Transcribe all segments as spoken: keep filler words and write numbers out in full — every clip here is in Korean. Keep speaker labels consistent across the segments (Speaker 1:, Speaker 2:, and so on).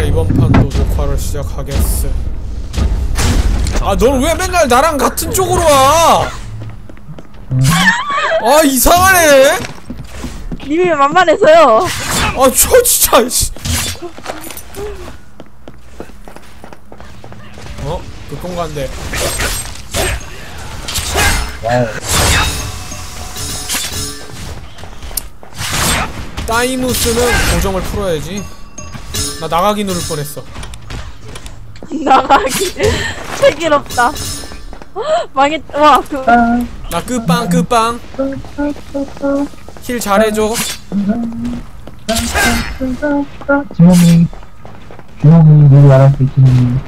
Speaker 1: 이번 판도 녹화를 시작하겠어. 아, 넌 왜 맨날 나랑 같은 쪽으로 와? 아, 이상하네.
Speaker 2: 님이 만만해서요.
Speaker 1: 아, 저 진짜. 씨. 어? 급공간데.
Speaker 3: 와우.
Speaker 1: 따이무스는 고정을 풀어야지. 나 나가기 누를 뻔했어.
Speaker 2: 나가기 슬기롭다. 망했. 와 그.
Speaker 1: 나 끝빵 끝빵. 힐 잘해줘.
Speaker 3: 지mom이 지mom이 누구 알았어 지mom이.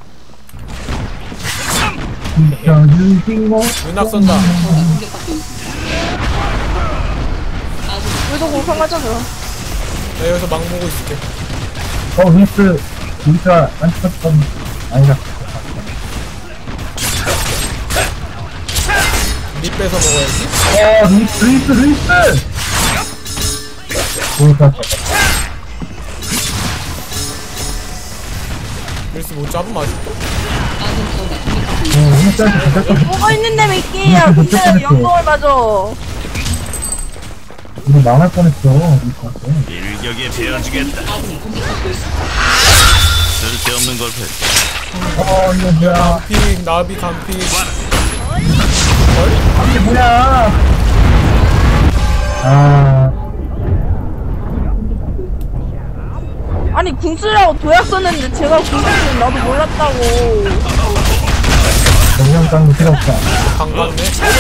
Speaker 1: 윤낙 쏜다.
Speaker 2: 우리도 공성하자 그럼.
Speaker 1: 나 여기서 막 보고 있을게.
Speaker 3: 어 루이스 루이스가 안타깝던 아니라
Speaker 1: 립 뺏어 먹어야지.
Speaker 3: 어 루이스 루이스 루이스 루이스
Speaker 1: 릴스 못 잡으면 아직도.
Speaker 2: 뭐가 있는데 몇 개야. 근데 연봉을 맞아.
Speaker 3: 이거 망할 뻔했어 루이스한테.
Speaker 4: 일격에 베어주겠다. 쓸데없는 걸 펼.
Speaker 3: 어 이거 뭐야
Speaker 1: 피 나비 간피.
Speaker 3: 이게 뭐야 아
Speaker 2: 아니 궁수라고 도약 썼는데 제가 궁수는 나도 몰랐다고.
Speaker 3: 영양 깡도 필요 없다.
Speaker 1: 강강네.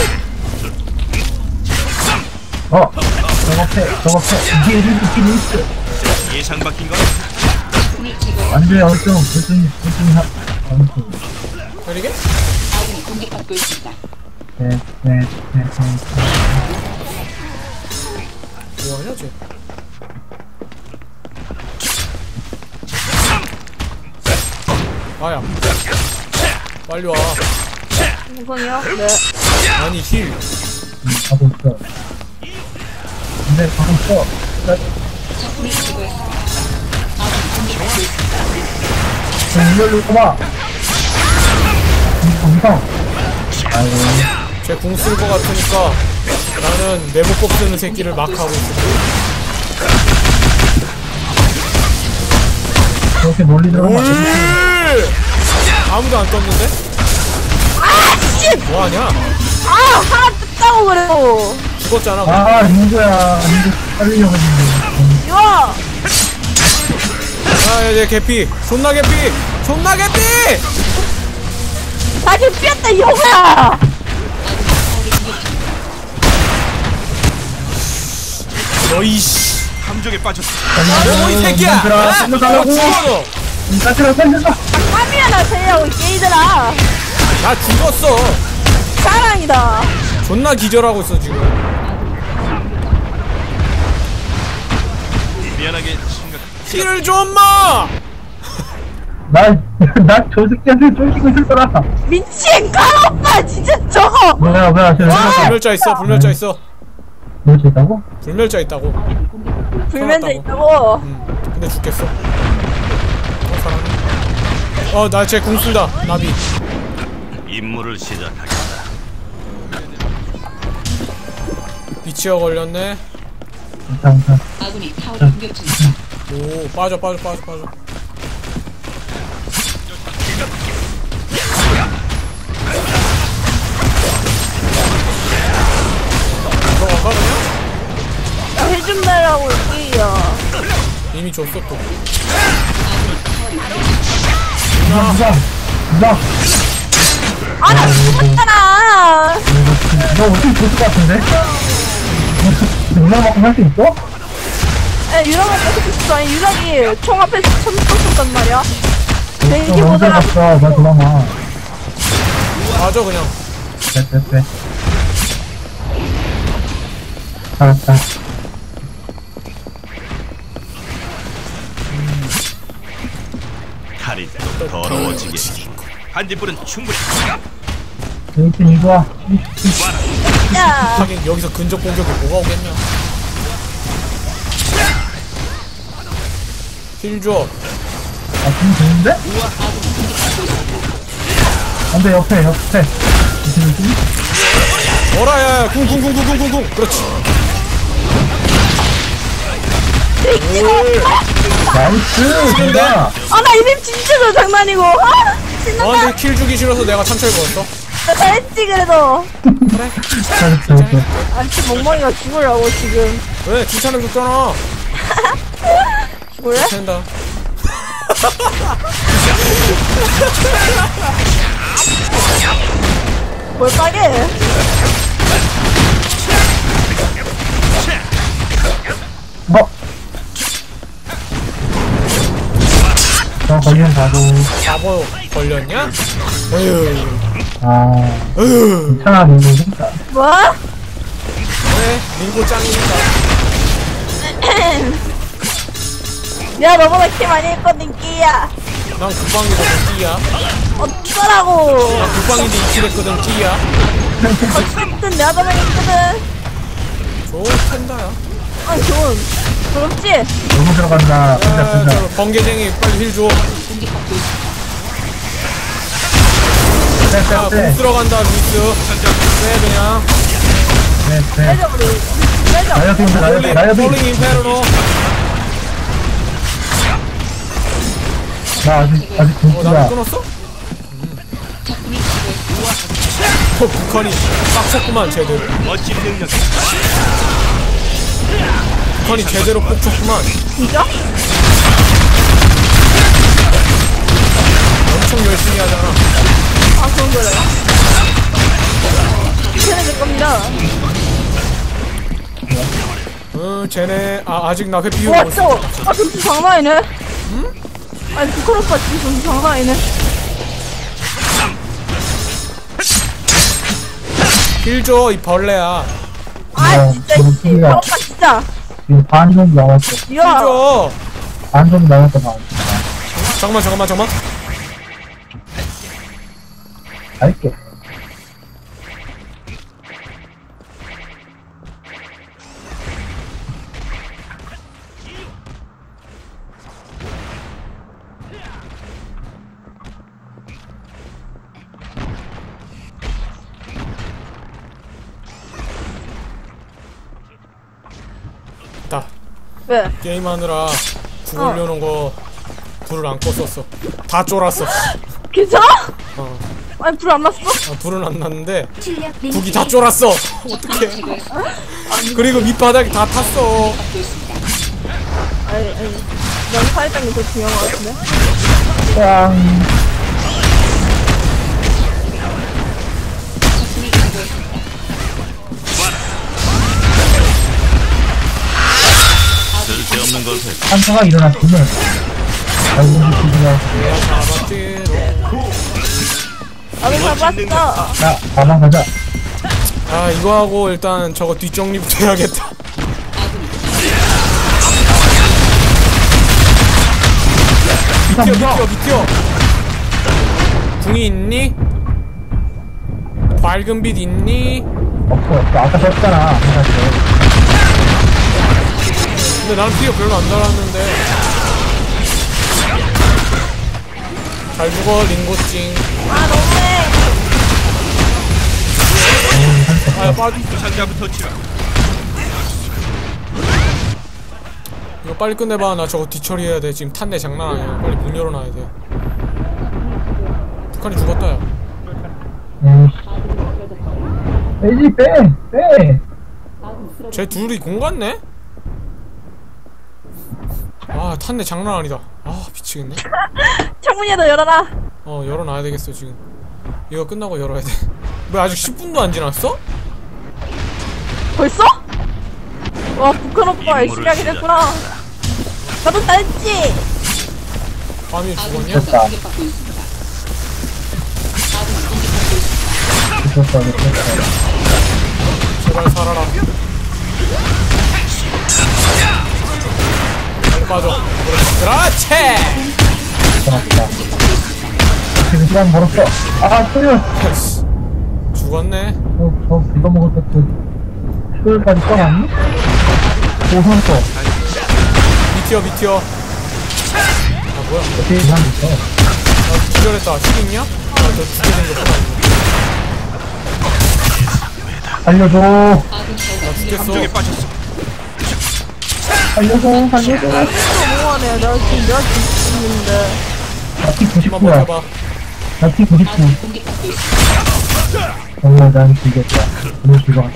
Speaker 3: 어 저거 패 저거 패 이게 루이스 루이스
Speaker 4: 예상 바뀐 건
Speaker 3: 안돼 얼좀 얼좀 얼좀 하 얼좀
Speaker 1: 그러게?
Speaker 3: 네네네
Speaker 1: 뭐하냐 쟤? 아야 빨리 와.
Speaker 2: 우선이요? 네.
Speaker 1: 아니 힐.
Speaker 3: 음, 가고 있어. 근데 가고 있어. 이걸로 꼬마. 감성. 아이고.
Speaker 1: 쟤 궁 쓸 것 같으니까 나는 네모법 쓰는 새끼를 막 하고 있어.
Speaker 3: 그렇게 멀리 들어가면 안 되지.
Speaker 1: 아무도 안 떴는데?
Speaker 2: 아 씨!
Speaker 1: 뭐하냐?
Speaker 2: 아 하나 뜯다고 그래요.
Speaker 1: 죽었잖아.
Speaker 3: 아, 링고야. 링고 살리려고 했는데.
Speaker 2: 이거.
Speaker 1: 아, 얘 개피. 존나 개피. 존나 개피.
Speaker 2: 다시 피었다 이거야.
Speaker 1: 너이 씨.
Speaker 4: 함정에 빠졌어.
Speaker 1: 뭐 이 새끼야. 아, 너 죽어.
Speaker 3: 까칠한 살려줘.
Speaker 2: 땀이야 나 세려고 게이들아.
Speaker 1: 나 죽었어.
Speaker 2: 사랑이다.
Speaker 1: 존나 기절하고 있어 지금.
Speaker 4: 미안하게 심각.
Speaker 1: 힐을 좀 마.
Speaker 3: 날, 나저 새끼한테 쫄기고 있을 거라.
Speaker 2: 미친 까오빠 진짜 저거.
Speaker 3: 뭐야, 뭐야, 저 새끼야.
Speaker 1: 불멸자 있어. 불멸자 있어.
Speaker 3: 뭐 있다고?
Speaker 1: 불멸자 있다고.
Speaker 2: 불면제
Speaker 1: 살았다고.
Speaker 2: 있다고.
Speaker 1: 응. 근데 죽겠어. 어, 사람. 어, 나 쟤 궁 쓴다. 나비.
Speaker 4: 임무를 시작하겠다.
Speaker 1: 비치어 걸렸네.
Speaker 3: 일단, 일단.
Speaker 5: 아군이 타워를 공격 중입니다.
Speaker 1: 오, 빠져, 빠져, 빠져, 빠져. 들어갈까 그냥?
Speaker 2: 해준다라고 얘기야.
Speaker 1: 이미 줬어 또.
Speaker 3: 누가, 누가, 누가.
Speaker 2: 아 나 죽었잖아.
Speaker 3: 너 어떻게 줬을 것 같은데? 누나만큼 할 수 있어?
Speaker 2: 에 유랑아 계속 있어. 아니 유랑이 총 앞에서 천 떴었단 말이야. 내
Speaker 3: 너
Speaker 2: 이게
Speaker 3: 먼저
Speaker 2: 뭐더라.
Speaker 3: 갔어, 나 도망가.
Speaker 1: 맞아 그냥.
Speaker 3: 빼, 빼, 빼. 알았다.
Speaker 4: 칼이 또 더러워지게. 한지불은 충분히.
Speaker 3: 여기 이거 와.
Speaker 2: 야.
Speaker 1: 하긴 여기서 근접 공격이 뭐가 오겠냐. 힐 줘.
Speaker 3: 지금 되는데? 안돼 옆에 옆에 지금 좀
Speaker 1: 어라 야 궁궁궁궁궁궁궁 그렇지.
Speaker 3: 나이스 진짜.
Speaker 2: 아나 이맵 진짜 저 장난이고. 아 신난다.
Speaker 1: 너한테 킬 주기 싫어서 내가 참철 걸었어.
Speaker 2: 나 잘했지 그래도.
Speaker 1: 그래.
Speaker 3: 잘했어 잘했어.
Speaker 2: 아 진짜 멍멍이가 죽으려고 지금.
Speaker 1: 왜 칭찬해 줬잖아.
Speaker 2: 죽을래?
Speaker 1: 된다.
Speaker 2: 뭘 까게?
Speaker 3: 뭐? 저 걸리는 바보.
Speaker 1: 바보 걸렸냐? 어휴.
Speaker 3: 아
Speaker 1: 어휴.
Speaker 3: 괜찮아 너무 힘들다.
Speaker 2: 뭐?
Speaker 1: 그래 민고 짱이니까.
Speaker 2: 내가 너보다 키 많이 했거든 끼야.
Speaker 1: 난 국방이거든 끼야.
Speaker 2: 어쩌라고.
Speaker 1: 난 국방인데 이 킬 했거든 끼야.
Speaker 2: 어쨌든 내가 더 많이 했거든.
Speaker 1: 좋은 팬다야.
Speaker 2: 아 좋은. 부럽지?
Speaker 3: 너무 들어간다. 진짜
Speaker 1: 야,
Speaker 3: 진짜.
Speaker 1: 저 번개쟁이 빨리 힐 줘. 자, 공
Speaker 3: 쎄쎄쎄.
Speaker 1: 들어간다 루이스. 쎄 그냥.
Speaker 3: 네네.
Speaker 2: 빼자 우리. 빼자.
Speaker 3: 나이어비 온다 나이어비 나이어비.
Speaker 1: 폴링 인페르노.
Speaker 3: 나 아직 아직
Speaker 1: 어, 나를
Speaker 3: 동기가.
Speaker 1: 끊었어? 어, 북한이 빡쳤구만 제대로.
Speaker 4: 멋진 능력.
Speaker 1: 북한이 제대로 빡쳤구만.
Speaker 2: 진짜?
Speaker 1: 엄청 열심히 하잖아.
Speaker 2: 아 그런 거래요? 이체는 될 겁니다.
Speaker 1: 어, 쟤네 아 아직 나 회피
Speaker 2: 와
Speaker 1: 못
Speaker 2: 진짜. 아 점수 장난 아니네. 응? 아니 북한 오빠 진짜 점수 장난 아니네.
Speaker 1: 힐줘 이 벌레야.
Speaker 2: 아
Speaker 3: 어,
Speaker 2: 진짜
Speaker 3: 저는
Speaker 2: 씨.
Speaker 3: T가
Speaker 2: 아, 오빠 진짜.
Speaker 3: 지금 반 정도 남았어.
Speaker 2: 이야.
Speaker 1: 힐줘.
Speaker 3: 반 정도 남았어 반.
Speaker 1: 잠깐만 잠깐만 잠깐만.
Speaker 3: 알게.
Speaker 1: 나
Speaker 2: 왜?
Speaker 1: 게임하느라 구 올려놓은 거 불을 안 껐었어. 다 쫄았어.
Speaker 2: 괜찮아?
Speaker 1: 어.
Speaker 2: 아니 불 안 났어?
Speaker 1: 아, 불은 안 났는데 북이 다 쫄았어. 어떡해. 그리고 밑바닥이 다 탔어.
Speaker 2: 아니 아니. 난 사회장이 더 중요한 것 같은데.
Speaker 3: 꽝.
Speaker 4: 쓸데없는 것을
Speaker 3: 한타가 일어났으면 아이고 미치구나.
Speaker 2: 나도 잡았어.
Speaker 3: 자 가방 가자.
Speaker 1: 아 이거 하고 일단 저거 뒷정리부터 해야겠다.
Speaker 3: 이상
Speaker 1: 미티어
Speaker 3: 무서.
Speaker 1: 미티어 미티어. 궁이 있니? 밝은 빛 있니?
Speaker 3: 없어 없어. 아까 썼잖아. 한타
Speaker 1: 근데 나는 피가 별로 안 달았는데. 잘 죽어 링고찡.
Speaker 2: 아 너무해.
Speaker 1: 아 빠지.
Speaker 4: 부상자부터 치라.
Speaker 1: 이거 빨리 끝내봐. 나 저거 뒤처리해야 돼. 지금 탄내 장난 아니야. 빨리 문 열어놔야 돼. 북한이 죽었다 야.
Speaker 3: 음. 빼지 빼 빼.
Speaker 1: 쟤 둘이 공 같네? 아 탄내 장난 아니다. 아 미치겠네.
Speaker 2: 창문이라도 열어라.
Speaker 1: 어 열어놔야 되겠어 지금. 이거 끝나고 열어야 돼. 왜 아직 십 분도 안 지났어?
Speaker 2: 벌써? 와 북한 오빠 열심히 하게 됐구나. 나도 잘했지.
Speaker 1: 밤이 죽었냐?
Speaker 3: 됐다. 됐다 됐다.
Speaker 1: 제발 살아라. 빨리 빠져. 그렇지.
Speaker 3: 고맙다. 지금 시간 벌었어. 아 소율.
Speaker 1: 죽었네.
Speaker 3: 어, 저 이거 먹을 때그 소율까지 떠났니? 오 선수.
Speaker 1: 미티어 미티어. 아 뭐야?
Speaker 3: 어떻게 이상 있어?
Speaker 1: 나 기절했다. 힐 있냐? 아, 너 두개 생겼구나.
Speaker 3: 살려줘.
Speaker 1: 나 죽겠어.
Speaker 4: 함정에 빠졌어.
Speaker 3: 살려줘. 살려줘.
Speaker 2: 나 진짜 뭐하네. 내가 지금 내가 지금 있는데.
Speaker 3: 나피
Speaker 1: 한번
Speaker 3: 구십구야.
Speaker 1: 버텨봐.
Speaker 3: 나피 구십구.
Speaker 5: 아군이 공격받고 있습니다.
Speaker 3: 정말 난 죽였다. 너무 죽어.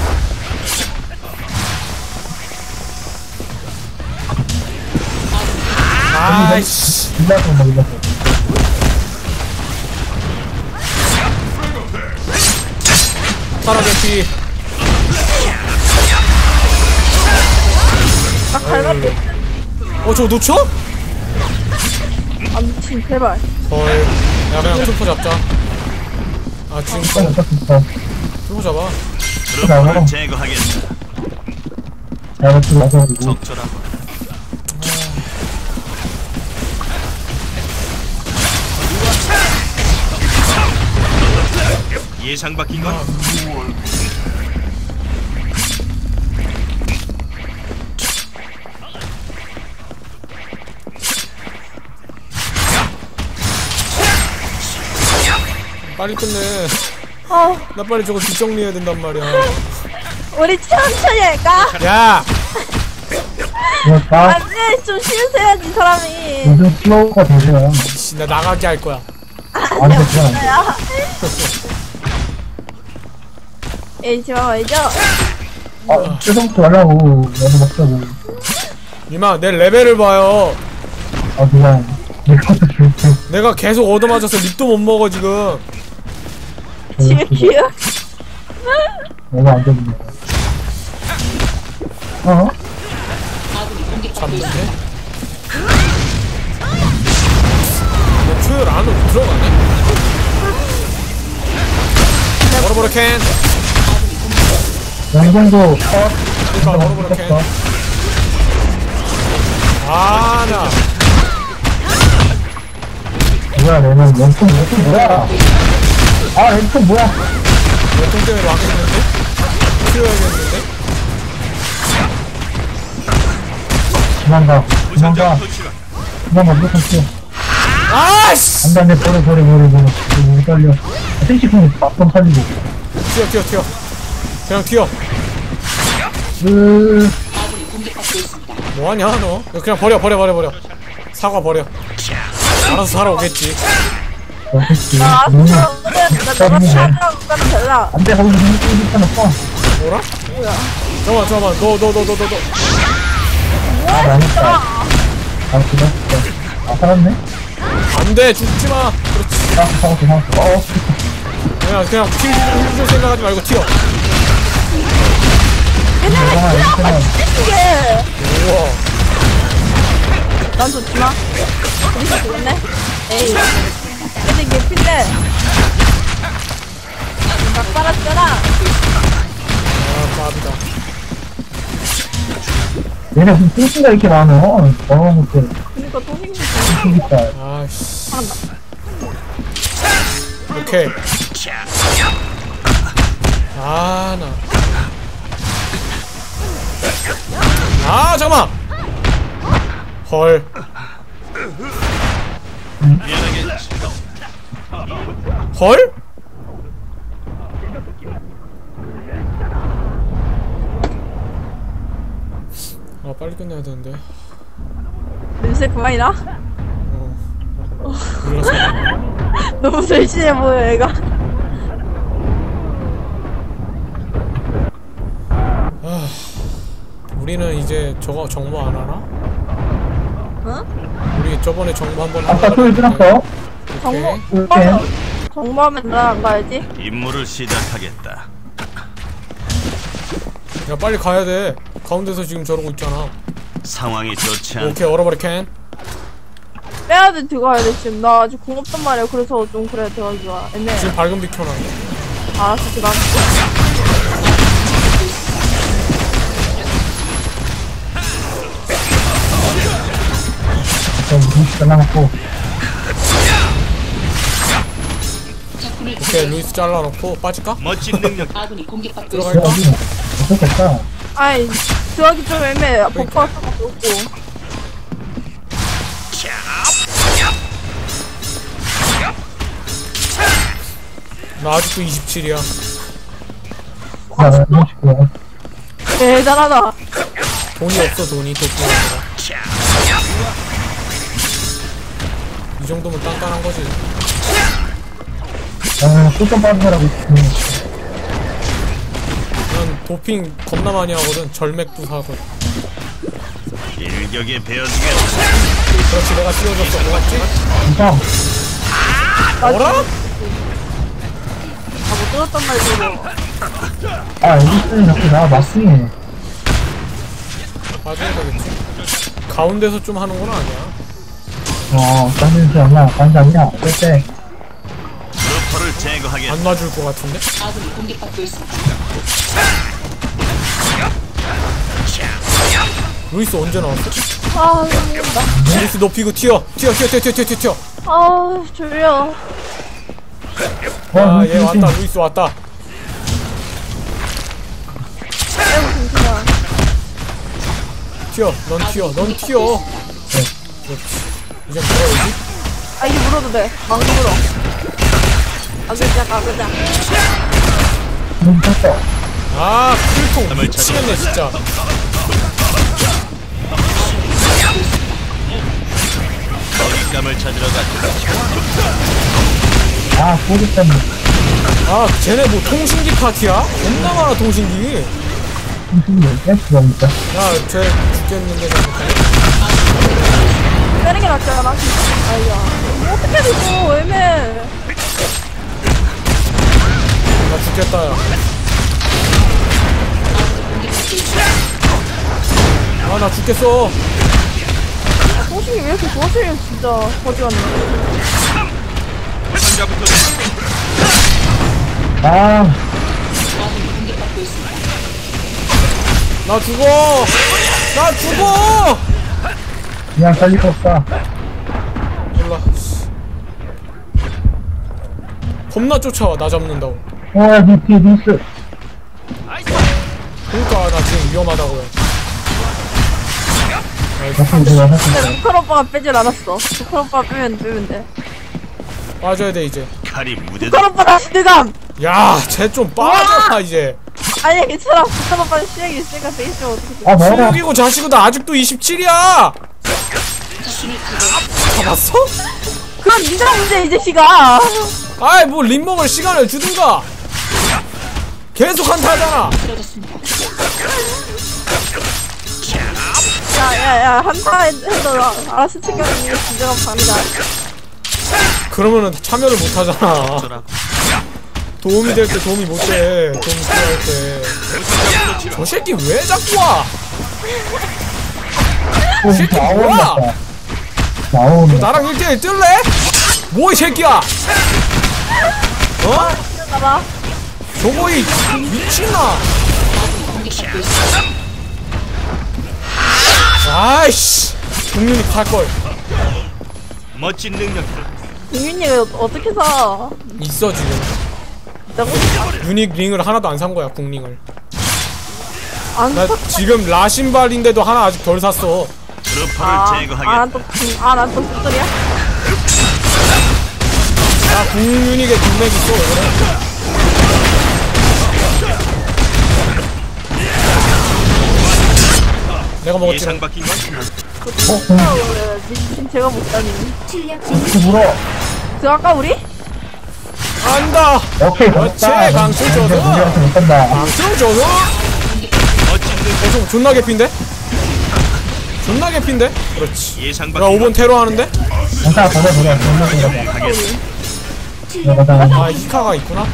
Speaker 1: 아이씨.
Speaker 3: 일라서 뭐 일라서.
Speaker 1: 파라 대피.
Speaker 2: 나 갈갈게.
Speaker 1: 어, 저거 놓쳐?
Speaker 2: 아 미친 제발.
Speaker 1: 헐. 야, 그냥 트루퍼 잡자. 아, 지금
Speaker 3: 빨리 어쩔 수 있어.
Speaker 1: 트루퍼 잡아.
Speaker 4: 트루퍼를 제거하겠다.
Speaker 3: 내가 또 와가지고.
Speaker 4: 적절하고. 예상 바뀐 건
Speaker 1: 빨리 끝내.
Speaker 2: 어
Speaker 1: 나 빨리 저거 뒷정리해야 된단 말이야.
Speaker 2: 우리 천천히 할까?
Speaker 1: 야!
Speaker 3: 그러니까
Speaker 2: 안돼 좀 쉬세야지 사람이.
Speaker 3: 요즘 플로우가 되세요.
Speaker 1: 씨, 나 나가게 할 거야.
Speaker 3: 안 돼, 그건 안 돼.
Speaker 2: 야. 에이 지마 말이죠.
Speaker 3: 아, 최성부터 하려고. 나도 먹자고.
Speaker 1: 이마, 내 레벨을 봐요.
Speaker 3: 아, 그냥. 내 것도 줄게.
Speaker 1: 내가 계속 얻어맞아서 립도 못 먹어, 지금.
Speaker 2: 지금 기억.
Speaker 3: 내가 안 되는 거야. 어?
Speaker 5: 아군이 공격받고
Speaker 1: 잡는데?
Speaker 5: 있습니다.
Speaker 1: 너 초열 안으로 들어가네? 버려버려 캔!
Speaker 3: 영정도 컷.
Speaker 1: 그니까 버려버려 캔. 아, 나.
Speaker 3: 뭐야, 얘는 왼쪽, 왼쪽 뭐야? 아, 왼쪽 뭐야?
Speaker 1: 몇통 때문에 막겠는데? 튀어야겠는데?
Speaker 3: 도망가, 도망가,
Speaker 4: 부산적 도시가
Speaker 3: 도망가, 무조건 튀어.
Speaker 1: 아이씨!
Speaker 3: 안 돼, 안 돼, 버려, 버려, 버려, 버려. 너무 떨려. 생식품이 밥좀 살리고.
Speaker 1: 튀어, 튀어, 튀어. 그냥 튀어.
Speaker 3: 으,
Speaker 5: 아군이 공격받고 있습니다.
Speaker 1: 뭐하냐, 너? 너 그냥 버려, 버려, 버려, 버려. 사과 버려. 알아서 살아오겠지.
Speaker 3: 어딨지?
Speaker 2: 나
Speaker 3: 너무,
Speaker 2: 아프다. 나 너가 차라고 가면 달라.
Speaker 3: 안 돼, 거기서 생식품 있잖아,
Speaker 1: 뭐라?
Speaker 2: 뭐야?
Speaker 1: 잠깐만, 잠깐만. 너, 너, 너, 너, 너, 너.
Speaker 3: 아, 망했다. 아, 그래? 아, 살았네?
Speaker 1: 안 돼, 죽지 마. 그렇지.
Speaker 3: 아, 살았어, 살았어. 어,
Speaker 1: 그냥, 그냥 킬, 킬 생각하지 말고 튀어.
Speaker 3: 아, 이렇게만.
Speaker 2: 이게.
Speaker 1: 우와.
Speaker 2: 난 좋지마. 우리 죽었네. 에이. 근데 이게 필래. 막 빨았잖아.
Speaker 1: 아, 밥이다.
Speaker 3: 얘네 무슨 뚱뚱가 이렇게 많아? 어, 더러운 것들.
Speaker 2: 그니까 또 힘들어.
Speaker 3: 뚱뚱이다.
Speaker 1: 아이씨.
Speaker 2: 잘한다.
Speaker 1: 오케이. 아, 나. 아, 잠깐만! 헐.
Speaker 4: 미안하겠지.
Speaker 1: 헐? 아, 빨리 끝내야 되는데.
Speaker 2: 냄새 그만이나?
Speaker 1: 어. 몰라서.
Speaker 2: 너무 절친해 보여, 얘가.
Speaker 1: 아, 우리는 이제 저거 정모 안 하나?
Speaker 2: 응?
Speaker 1: 우리 저번에 정모 한번
Speaker 3: 아까 소리 들었어?
Speaker 2: 정모,
Speaker 3: 이렇게.
Speaker 2: 정모하면 나랑 가야지.
Speaker 4: 임무를 시작하겠다.
Speaker 1: 야, 빨리 가야 돼. 가운데서 지금 저러고 있잖아.
Speaker 4: 상황이 좋지 않.
Speaker 1: 오케이, 얼어버려 캔.
Speaker 2: 빼야 돼, 들어가야 돼, 지금. 나 아직 공 없단 말이야. 그래서 좀 그래, 들어가기 좋아. 애매해.
Speaker 1: 지금 밝은 빛 켜놔.
Speaker 2: 알았어, 들어가.
Speaker 3: 좀 루시 잘라놓고.
Speaker 5: 적군을
Speaker 1: 오케이,
Speaker 5: 제거했습니다.
Speaker 1: 루이스 잘라놓고 빠질까?
Speaker 4: 멋진 능력.
Speaker 5: 아군이 공격받고
Speaker 1: 들어갈까?
Speaker 5: 있습니다.
Speaker 3: 여기 어떻겠다.
Speaker 2: 아이, 들어가기 좀 애매해. 버퍼 수밖에 없고.
Speaker 1: 나 아직도 이십칠이야.
Speaker 3: 나 삼십구야.
Speaker 2: 대단하다.
Speaker 1: 돈이 없어 돈이 도핑하느라. 이 정도면 딴딴한 거지.
Speaker 3: 나는 소점 받은 사람 있으면
Speaker 1: 난 도핑 겁나 많이 하거든. 절맥도 사거든.
Speaker 4: 일격에 베어주겠어.
Speaker 1: 그렇지 내가 씌워줬어. 고맙지?
Speaker 3: 이상.
Speaker 1: 뭐라?
Speaker 2: 아못 들었단 말이지.
Speaker 3: 아, 에디슨이 자꾸 나 마킹해.
Speaker 1: 맞아야 되겠지. 가운데서 좀 하는 건 아니야.
Speaker 3: 어, 딴짓이 얼마나 간장이야. 그때.
Speaker 4: 루퍼를 제거하겠어.
Speaker 1: 안 맞을 것 같은데?
Speaker 5: 아군이 공격받고 있습니다.
Speaker 1: 루이스 언제 나왔어?
Speaker 2: 아, 나,
Speaker 1: 루이스 높이고 튀어 튀어 튀어 튀어 튀어 튀어 튀어.
Speaker 2: 아, 졸려.
Speaker 3: 와,
Speaker 1: 아 얘 왔다. 루이스 왔다.
Speaker 2: 아이고, 잠시만.
Speaker 1: 튀어 넌 튀어 넌 튀어. 그렇지. 이제 뭐라지?
Speaker 2: 아, 이제 물어도 돼. 막 물어. 아, 그자, 아, 그자.
Speaker 3: 눈 떴어.
Speaker 1: 아 풀통 미치겠네 진짜.
Speaker 4: 먹잇감을 찾으러 갔다.
Speaker 3: 아, 소리 때문에.
Speaker 1: 아 쟤네 뭐 통신기 파티야? 겁나 많아 통신기.
Speaker 3: 무슨 댄스가 있다.
Speaker 1: 야쟤 죽겠는데 잘못하네.
Speaker 2: 빼는 게 낫지 않아? 아이야. 뭐 어떻게 되고, 애매해.
Speaker 1: 나 죽겠다 야. 아 나 죽겠어.
Speaker 2: 소식이 왜 이렇게 좋아지냐, 진짜. 거지 같네.
Speaker 4: 상자부터
Speaker 3: 아,
Speaker 5: 아군이 공격받고 있습니다.
Speaker 1: 나 죽어. 나 죽어.
Speaker 3: 그냥 살릴 거 없다.
Speaker 1: 몰라. 겁나 쫓아와 나 잡는다고.
Speaker 3: 어, 야, 니 뒤에 니스.
Speaker 1: 그러니까 나 지금 위험하다고요.
Speaker 3: 옆에 내가 할수 있다.
Speaker 2: 근데 루컬 오빠가 빼질 않았어. 루컬 오빠가 빼면, 빼면 돼.
Speaker 1: 빠져야 돼 이제.
Speaker 4: 칼이 무대다.
Speaker 2: 루컬 오빠 다시 대감!
Speaker 1: 야, 쟤 좀 빠져 이제.
Speaker 2: 아니, 괜찮아. 루컬 오빠는 시력이 있으니까 되겠죠. 어떻게 돼.
Speaker 3: 아, 뭐라.
Speaker 1: 수육이고 자식이고 나 아직도 이십칠이야.
Speaker 5: 적군을 제거.
Speaker 1: 잡았어?
Speaker 2: 그럼 니가 문제, 이 자식아.
Speaker 1: 아이 뭐 림먹을 시간을 주든가. 계속 한타하잖아.
Speaker 5: 쓰러졌습니다.
Speaker 2: 야, 야, 야, 한타 해도 알아서 챙겨주는 게 진정한 밤이다.
Speaker 1: 그러면은 참여를 못 하잖아.
Speaker 4: 어쩌라고.
Speaker 1: 도움이 될 때 도움이 못 돼. 도움 필요할 때. 저 새끼 왜 자꾸 와?
Speaker 3: 또
Speaker 1: 새끼
Speaker 3: 나오는
Speaker 1: 뭐야?
Speaker 3: 다 나오는 거.
Speaker 1: 나랑 일 대일 뜰래? 뭐 이 새끼야? 어?
Speaker 2: 봐봐.
Speaker 1: 저거이 미친나?
Speaker 5: 공격받고 있습니다.
Speaker 1: 아이씨. 국민이 탈걸.
Speaker 4: 멋진 능력들.
Speaker 2: 국민이가 어떻게 사?
Speaker 1: 있어 지금.
Speaker 2: 내가
Speaker 1: 유닉 링을 하나도 안 산 거야 국링을.
Speaker 2: 안
Speaker 1: 나
Speaker 2: 사.
Speaker 1: 지금 라신발인데도 하나 아직 덜 샀어.
Speaker 4: 루퍼를
Speaker 2: 아,
Speaker 4: 제거하겠다.
Speaker 2: 아, 난 또, 아, 난 또 숫돌이야?
Speaker 1: 나 국유닉에 국맥 있어. 왜 그래? 내가 먹었지.
Speaker 4: 예상 바뀐 건
Speaker 2: 아, 왜, 미친 제가 못다니.
Speaker 3: 어떻게 물어?
Speaker 2: 들어갈까, 우리?
Speaker 1: 안다.
Speaker 3: 오케이,
Speaker 1: 그렇지,
Speaker 3: 됐다.
Speaker 1: 강철
Speaker 3: 이제
Speaker 1: 줘서.
Speaker 3: 문제한테 못한다.
Speaker 1: 방송 줘서.
Speaker 4: 멋진 능력.
Speaker 1: 어, 존나 개핀데? 존나 개핀데? 그렇지.
Speaker 4: 예상
Speaker 1: 야
Speaker 4: 바뀐
Speaker 1: 오 번 테러 하는데?
Speaker 3: 괜찮아, 보자, 보자. 보자, 보자.
Speaker 4: 하겠어.
Speaker 3: 들어가자.
Speaker 1: 아 히카가 있구나.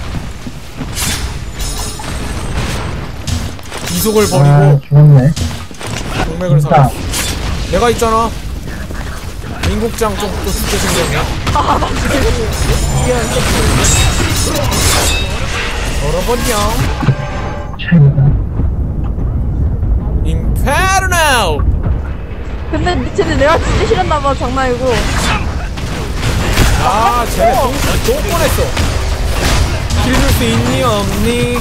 Speaker 1: 이속을
Speaker 3: 아,
Speaker 1: 버리고
Speaker 3: 죽었네.
Speaker 1: 동맥을
Speaker 3: 진짜.
Speaker 1: 사. 내가 있잖아. 민국장 좀또 죽게 생겼네.
Speaker 2: 아, 나 지금. 미안,
Speaker 1: 얼어버려.
Speaker 3: 최고다.
Speaker 1: 인페르노.
Speaker 2: 근데 미친데 내가 진짜 싫었나봐, 장난이고.
Speaker 1: 아 쟤네 또, 또 뻔했어. 길줄 수 있니 없니?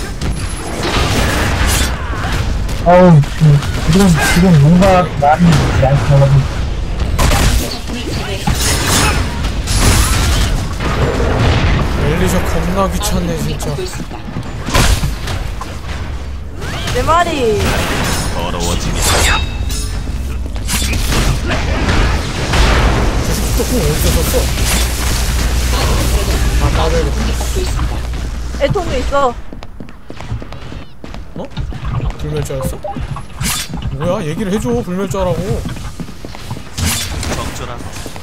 Speaker 3: 어우, 지금, 지금, 지금 뭔가 말이 많더라고.
Speaker 5: 적군을 제거했습니다.
Speaker 1: 엘리셔 겁나 귀찮네
Speaker 5: 아군이
Speaker 1: 진짜.
Speaker 5: 공격받고 있습니다.
Speaker 2: 내 말이.
Speaker 4: 더러워지겠어.
Speaker 1: 조금 어디서 썼어? 아 나를
Speaker 5: 공격받고 있습니다.
Speaker 2: 애통도 있어.
Speaker 1: 어? 불멸자였어? 뭐야 얘기를 해줘 불멸자라고.
Speaker 4: 적절한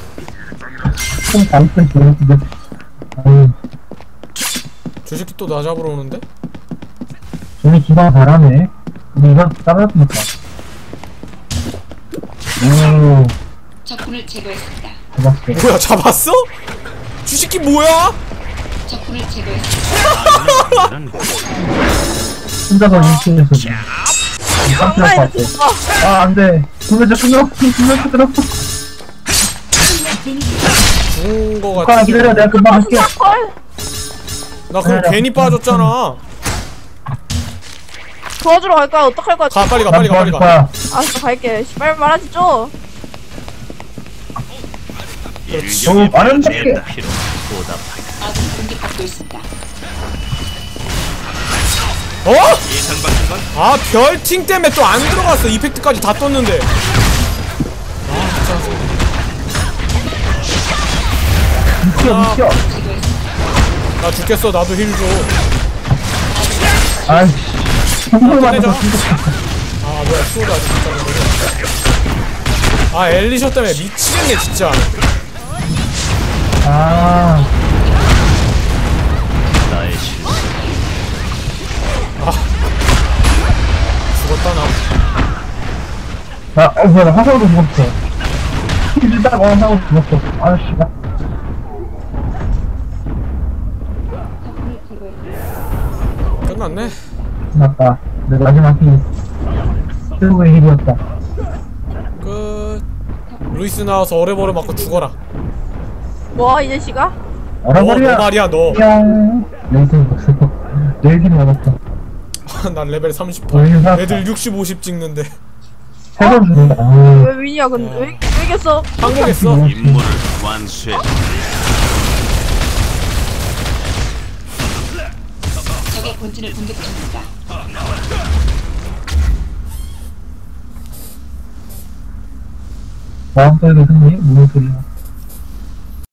Speaker 3: 좀 잘못된 기억인데. 아유,
Speaker 1: 저 새끼 또 나 잡으러 오는데?
Speaker 3: 저기 기방 잘하네. 근데 이건 따라잡니까? 오,
Speaker 5: 적군을 제거했습니다.
Speaker 3: 잡았어.
Speaker 1: 뭐야 잡았어? 저 새끼 뭐야?
Speaker 5: 적군을 제거했습니다.
Speaker 4: 이런
Speaker 3: 혼자서 인식해서 깜짝할 것
Speaker 2: 엉망이
Speaker 3: 같아.
Speaker 2: 됐어.
Speaker 3: 아, 안 돼. 불면자 끊어. 불면자 끊어.
Speaker 1: 죽은 거
Speaker 3: 아,
Speaker 1: 같아.
Speaker 3: 기다려. 내가 금방 할게.
Speaker 2: 헐.
Speaker 1: 나 그럼 괜히 빠졌잖아.
Speaker 2: 도와주러 갈까? 어떡할 거야?
Speaker 1: 가 빨리 가
Speaker 3: 난
Speaker 1: 빨리 가 빨리
Speaker 3: 도와줄
Speaker 1: 가.
Speaker 3: 거야.
Speaker 2: 알았어, 갈게. 씨발 말하지 좀.
Speaker 3: 너무 많은
Speaker 4: 제일
Speaker 3: 게.
Speaker 4: 필요 보답하기.
Speaker 5: 아군 공격받고 있습니다.
Speaker 1: 어?
Speaker 4: 예상 받는 건
Speaker 1: 아 별팅 때문에 또 안 들어갔어. 이펙트까지 다 떴는데. 아
Speaker 3: 미쳐, 미쳐.
Speaker 5: 제거했습니다.
Speaker 1: 나 죽겠어. 나도 힐 줘.
Speaker 3: 아이씨. 선물
Speaker 1: 끝내자.
Speaker 3: 받아서 죽었어.
Speaker 1: 아 뭐야 수호도 아직 못 잡는 거야. 아 엘리셔 때문에 미치겠네 진짜.
Speaker 3: 아,
Speaker 4: 나의 실수.
Speaker 1: 죽었다 나.
Speaker 3: 나, 어, 뭐야, 나 화살도 죽었어. 힐다가 화살도 죽었어. 아씨가.
Speaker 5: 적군을 제거했습니다.
Speaker 1: 끝났네.
Speaker 3: 맞다. 내 마지막 힐. 최고의 힐이었다.
Speaker 1: 끝. 루이스 나와서 어레버레 맞고 죽어라.
Speaker 2: 뭐, 이 자식아?
Speaker 1: 너, 너
Speaker 3: 얼어버려.
Speaker 1: 말이야 너.
Speaker 3: 뿅. 레이드 먹었어. 레이드 먹었어.
Speaker 1: 난 레벨 삼십.
Speaker 3: 어, 이거 살았다.
Speaker 1: 애들 육십, 오십 찍는데.
Speaker 3: 세번 죽는다. 아,
Speaker 2: 왜 위냐, 근데? 왜, 왜 이겼어?
Speaker 1: 항복했어.
Speaker 4: 임무를 완수해.
Speaker 5: 적의 본진을 공격 중입니다.
Speaker 3: 마음속에 승리? 무슨 소리야.